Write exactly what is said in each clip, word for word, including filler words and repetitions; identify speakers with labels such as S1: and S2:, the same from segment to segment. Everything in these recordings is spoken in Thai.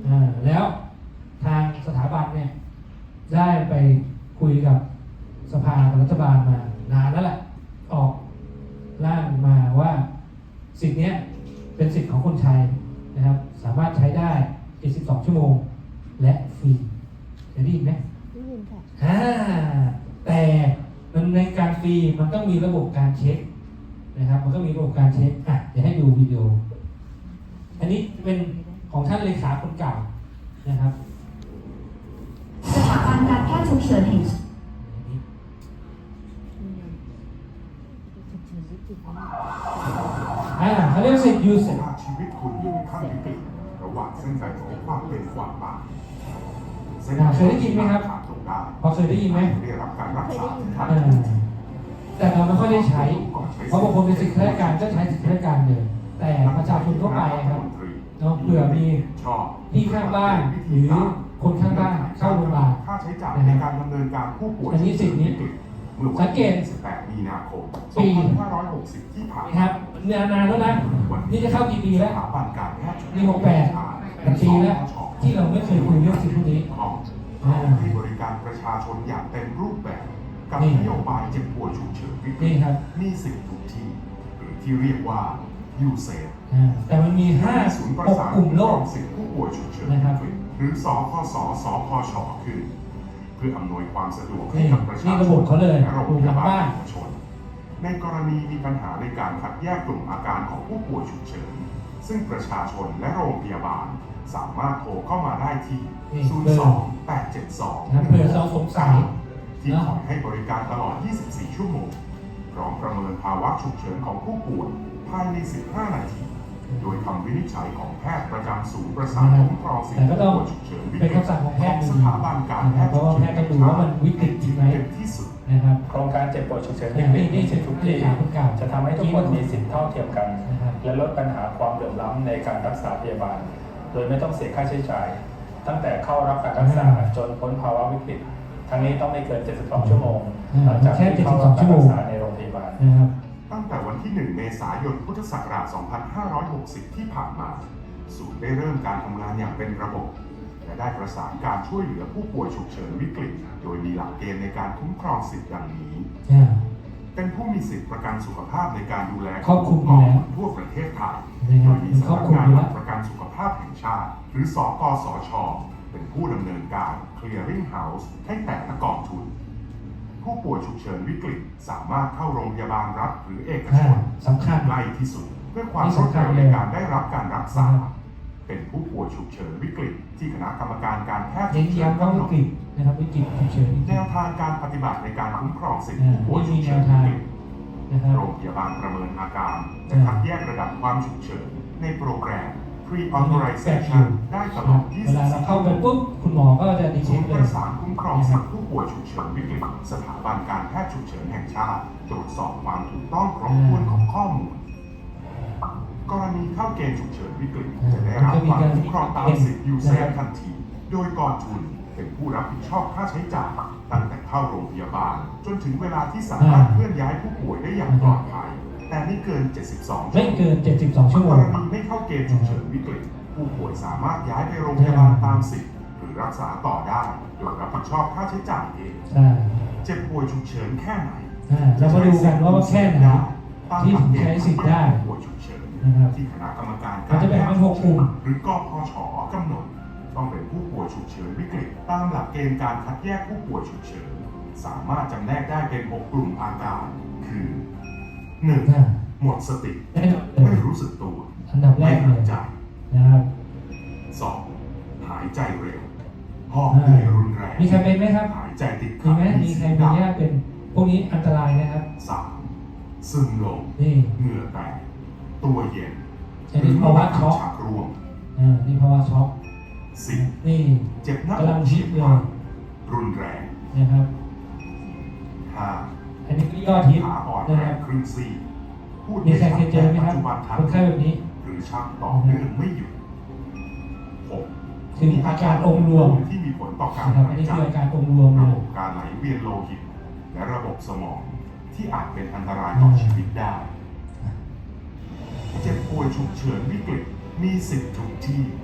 S1: อ่าแล้วทางสถาบันเนี่ยได้ไปคุยกับสภารัฐบาลมานานแล้วแหละออกร่างมาว่าสิทธินี้เป็นสิทธิของคนไทยนะครับสามารถใช้ได้เจ็ดสิบสองชั่วโมงและฟรีเคยได้ยินไหม
S2: ได้ยินค่ะ
S1: อ่าแต่มันในการฟรีมันต้องมีระบบการเช็คนะครับมันก็มีระบบการเช็คอ่ะเดี๋ยวให้ดูวิดีโออันนี้เป็นของท่านเลขาคนเก่านะครับ
S3: สถาบันการแพทย์ฉุกเฉินแห่ง
S1: อ่าเขาเรียกสิทธิ์ยูสิทธิ์
S4: ชีวิตคุณอยู่ในขั้นวิกฤตระหว่างเส้นใจของความเป็นความตาย
S1: เคยได้ยินไหมครับพอเคยได้ยินไหม
S4: ได้รับการรักษาที่ทัน
S1: แต่เราไม่ค่อยได้ใช้เพราะบางคนเป็นสิทธิข้าราชการก็ใช้สิทธิข้าราชการเลยแต่ประชาชนทั่วไปครับเนาะเผื่อมีที่ข้างบ้านหรือคนข้างบ้านเข้าโรงพยาบาล
S4: ค่าใช้จ่ายในการดำเนินการผู้ป่วย
S1: อันนี้สิทธินี้สังเกต
S4: สิบแปดมีนาคมส
S1: ปี
S4: องพันห้าร้อยหกสิบที่ผ่าน
S1: ครับนานานแล้วนะนี่จะเข้ากี่ปีแล้วนี่หกแปดปีแล้วที่เราไม่เคยคุยเรื่องสิ่งพวกนี้
S4: ที่บริการประชาชนอย่างเต็มรูปแบบกับนโยบายเจ็บป่วยฉุกเฉินวิกฤตมีสิทธิ์ทุกที่หรือที่เรียกว่ายูเซฟ
S1: แต่มันมีห้าหกกลุ่มโรค
S4: สิทธิผู้ป่วยฉุกเฉินหรือสคสสพชขึ้นเพื่ออำนวยความสะดวกให้กับประชาชนและโรงพยาบาลเอกชนในกรณีมีปัญหาในการคัดแยกกลุ่มอาการของผู้ป่วยฉุกเฉินซึ่งประชาชนและโรงพยาบาลสามารถโทรเข้ามาได้ที่ ศูนย์ สอง แปด เจ็ด สอง
S1: เผื่อเราสงสัย
S4: ที่คอยให้บริการตลอด ยี่สิบสี่ ชั่วโมงพร้อมประเมินภาวะฉุกเฉินของผู้ป่วยภายใน สิบห้า นาทีโดยคำวินิจฉัยของแพทย์ประจำศูนย์ประสานคุ้มครองสิทธิผู้ป่วยฉุกเฉินวิกฤตของสถาบันการแพทย์ฉุกเฉิน
S1: ดูว่ามันวิกฤตจริงไหม
S4: ที่สุด
S1: นะครับ
S5: โครงการเจ็บป่วยฉุกเฉินวิกฤตมีสิทธิทุกที่จะทำให้ทุกคนมีสิทธิเท่าเทียมกันและลดปัญหาความเหลื่อมล้ำในการรักษาพยาบาลโดยไม่ต้องเสียค่าใช้จ่ายตั้งแต่เข้ารับการรักษาจนพ้นภาวะวิกฤตทั้งนี้ต้องไม่เกินเจ็ดสิบสองชั่วโมงหลังจากที่เข้ารับการรักษาในโรงพยาบาล
S4: ตั้งแต่วันที่หนึ่งเมษายนพุทธศักราชสองพันห้าร้อยหกสิบที่ผ่านมาศูนย์ได้เริ่มการทำงานอย่างเป็นระบบและได้ประสานการช่วยเหลือผู้ป่วยฉุกเฉินวิกฤตโดยมีหลักเกณฑ์ในการคุ้มครองสิทธิ์ดังนี้เป็นผู้มีสิทธิประกันสุขภาพในการดูแล
S1: ครอบคลุม
S4: ทั่วประเทศไทยโดยมีสำนักงานหลักประกันสุขภาพแห่งชาติหรือสกสช.เป็นผู้ดำเนินการ Clearing House ให้แต่ละกองทุนผู้ป่วยฉุกเฉินวิกฤตสามารถเข้าโรงพยาบาลรัฐหรือเอกชนใกล้ที่สุดเพื่อความรวดเร็วในการได้รับการรักษาเป็นผู้ป่วยฉุกเฉินวิกฤตที่คณะกรรมการการแพทย์ฉุกเฉินกำหนด
S1: นะครับวิกฤตฉุกเฉิน
S4: แนวทางการปฏิบัติในการคุ้มครองสิทธิผู้ป่วยฉุกเฉินวิกฤตโรงพยาบาลประเมินอาการจะคัดแยกระดับความฉุกเฉินในโปรแกรม Pre-authorization ได้ตลอดยี่สิบสี่ชั่วโมง
S1: ปุ๊บคุณหมอก็จะดี
S4: ศูนย์ประสานคุ้มครองสิทธิผู้ป่วยฉุกเฉินวิกฤตสถาบันการแพทย์ฉุกเฉินแห่งชาติตรวจสอบความถูกต้องครบถ้วนของข้อมูลกรณีเข้าเกณฑ์ฉุกเฉินวิกฤตจะได้รับความคุ้มครองตามสิทธิยูเซฟทันทีโดยกองทุนเป็นผู้รับผิดชอบค่าใช้จ่ายตั้งแต่เข้าโรงพยาบาลจนถึงเวลาที่สามารถเคลื่อนย้ายผู้ป่วยได้อย่างปลอดภัยแต่ไม่เกินเจ็ดสิบสอง
S1: ไม่เกินเจ็ดสิบสองชั่วโมง
S4: กรณีไม่เข้าเกณฑ์ฉุกเฉินวิกฤตผู้ป่วยสามารถย้ายไปโรงพยาบาลตามสิทธิ์หรือรักษาต่อได้โดยรับผิดชอบค่าใช้จ่ายเองเจ็บป่วยฉุกเฉินแค่ไหน
S1: เรามาดูกันว่าแค่ไหนที่ถึงใช้สิทธิ์ได้
S4: ป่วยฉุกเฉินที่คณะกรรมการ
S1: การแพทย์ฉุกเฉิน
S4: หรือกพช.กำหนดต้องเป็นผู้ป่วยฉุกเฉินวิกฤตตามหลักเกณฑ์การคัดแยกผู้ป่วยฉุกเฉินสามารถจำแนกได้เป็นหกกลุ่มอาการคือ หนึ่ง หมดสติไม่รู้สึกตัว
S1: อันดับแรกเลยนะครับ
S4: สองหายใจเร็วหอบเหนื่อยรุนแรง
S1: มีใครเป็นไหมครับ
S4: หายใจติด
S1: ขัดมีไหมมีใครเป็นญาติเป็นพวกนี้อันตรายนะครับ
S4: สามซึมลง
S1: นี่
S4: เหงื่อแตกตัวเย็น
S1: อันนี้ภาวะช็อก
S4: รวม
S1: อ่านี่ภาวะช็อก
S4: สิบ
S1: นี่
S4: เจ็บหน้า
S1: อก
S4: เฉียบพลันรุนแรง
S1: นะครับ
S4: ห้า
S1: อันนี้ก็ยอดฮิต
S4: ขาอ่อนแรงครึ่งซี
S1: พูดมีใครเคยเจอไหมครับคนไข้แบบนี้
S4: หรือชักต่อเนื่องไม่หยุดหก
S1: ถึงอาการองค์รวม
S4: ที่มีผลต่อการ
S1: หายใจอาการองค์รวม
S4: ระบบการไหลเวียนโลหิตและระบบสมองที่อาจเป็นอันตรายต่อชีวิตได้เจ็บป่วยฉุกเฉินวิกฤตมีสิทธิ์ทุกที่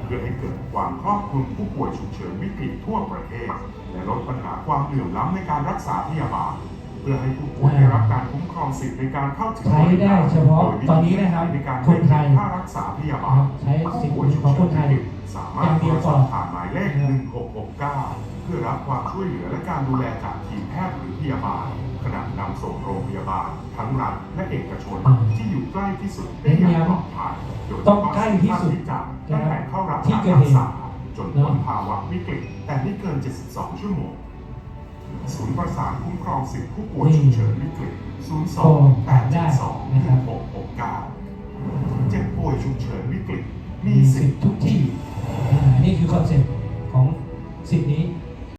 S4: เพื่อให้เกิดความครอบคลุมผู้ป่วยฉุกเฉินวิกฤตทั่วประเทศ และลดปัญหาความเหลื่อมล้ำในการรักษาพยาบาล เพื่อให้ผู้ป่วยได้รับการคุ้มครองสิทธิในการเข้าถึง
S1: ใช้ได้เฉพาะตอนนี้นะครับ
S4: ในการ
S1: คนไทย
S4: ค่ารักษาพยาบาล
S1: ใช้สิทธิ์ของคนไทย
S4: สามารถโทรสอบผ่านหมายเลข หนึ่งหกหกเก้า เพื่อรับความช่วยเหลือและการดูแลจากทีมแพทย์หรือพยาบาล ขณะนำส่งโรงพยาบาล ทั้งรัฐและเอกชนที่อยู่ใกล้ที่สุดได้อย่างปลอดภัยโดย
S1: ต้องใกล้ที่สุด
S4: จากตั้งแต่เข้ารับ
S1: ที่
S4: การ
S1: เกิด
S4: รั
S1: เห
S4: ก
S1: ตุ
S4: ษาจนพ้นภาวะวิกฤตแต่ไม่เกิน เจ็ดสิบสอง ชั่วโมง ศูนย์ประสานคุ้มครองสิทธิผู้ป่วยฉุกเฉินวิกฤต ศูนย์ สอง แปด เจ็ด สอง หนึ่ง หก หก เก้า เจ็บป่วยฉุกเฉินวิกฤต มี
S1: มี
S4: สิ
S1: สิ
S4: ท
S1: ท
S4: ธิ์
S1: ธิ์ทุกที่อ่านี่คือคอนเซ็ปต์ของสิทธิ์นี้